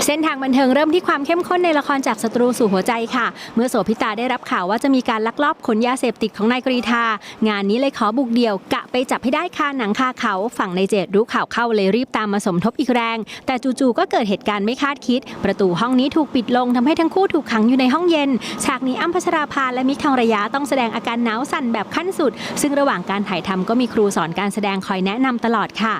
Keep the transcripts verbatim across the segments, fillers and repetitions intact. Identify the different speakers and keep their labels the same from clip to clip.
Speaker 1: เส้นทางบันเทิงเริ่มที่ความเข้มข้นในละครจากศัตรูสู่หัวใจค่ะเมื่อโสภิตาได้รับข่าวว่าจะมีการลักลอบขนยาเสพติดของนายกรีธางานนี้เลยขอบุกเดี่ยวกะไปจับให้ได้คาหนังคาเขาฝั่งนายเจดรู้ข่าวเข้าเลยรีบตามมาสมทบอีกแรงแต่จู่ๆก็เกิดเหตุการณ์ไม่คาดคิดประตูห้องนี้ถูกปิดลงทำให้ทั้งคู่ถูกขังอยู่ในห้องเย็นฉากนี้อ้ำพัชราภาและมิกทองระยะต้องแสดงอาการหนาวสั่นแบบขั้นสุดซึ่งระหว่างการถ่ายทำก็มีครูสอนการแสดงคอยแนะนำตลอดค่ะ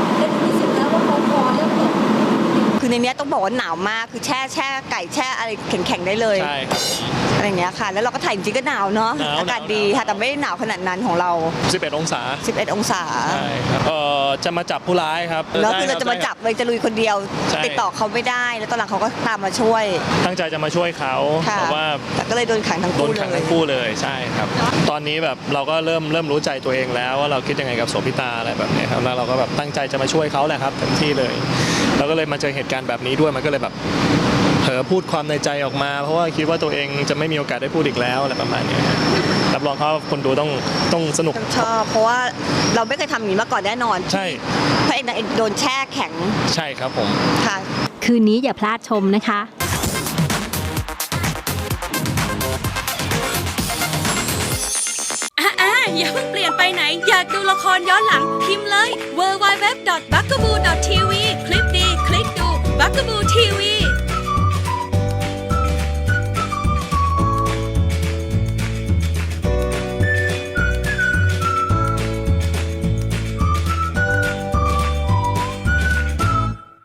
Speaker 2: คือในนี้ต้องบอกว่าหนาวมากคือแช่แช่ไก่แช่อะไรแข็งๆได้เลย
Speaker 3: ใช่ครับ
Speaker 2: อะไรอย่างเงี้ยค่ะแล้วเราก็ถ่ายจริงก็หนาวเนาะอากาศดีค่ะแต่ไม่ได้หนาวขนาดนั้นของเรา
Speaker 3: สิบเอ็ดองศา
Speaker 2: สิบเอ็ดองศา
Speaker 3: ใช่ครับเอ่อจะมาจับผู้ร้ายครับ
Speaker 2: แล้วคือเราจะมาจับเลยจะลุยคนเดียวติดต่อเขาไม่ได้แล้วตอนหลังเขาก็ตามมาช่วย
Speaker 3: ตั้งใจจะมาช่วยเขาแต่ว่า
Speaker 2: แต่ก็เลยโดนขังทั้งคู่
Speaker 3: โดนขังทั้งคู่เลยใช่ครับตอนนี้แบบเราก็เริ่มเริ่มรู้ใจตัวเองแล้วว่าเราคิดยังไงกับโสภิตาอะไรแบบนี้ครับแล้วเราก็แบบตั้งใจจะมาช่วยเขาแหละครับเต็มที่เลยเราก็เลยมาเจอเหตุการณ์แบบนี้ด้วยมันก็เลยแบบเผลอพูดความในใจออกมาเพราะว่าคิดว่าตัวเองจะไม่มีโอกาสได้พูดอีกแล้วอะไรประมาณนี้รับรองเขาคนดูต้องต้องสนุก
Speaker 2: ชอบเพราะว่าเราไม่เคยทำอย่างนี้มาก่อนแน่นอน
Speaker 3: ใช่
Speaker 2: พระเอกนางเอกโดนแช่แข็ง
Speaker 3: ใช่ครับผม
Speaker 2: ค่ะ
Speaker 1: คืนนี้อย่าพลาดชมนะคะ
Speaker 4: อย่าเพิ่งเปลี่ยนไปไหนอยากดูละครย้อนหลังพิมพ์เลย ดับเบิลยู ดับเบิลยู ดับเบิลยู ดอท บักกะบู ดอท ที วี คลิปดีคลิกดู บักกะบู ที วี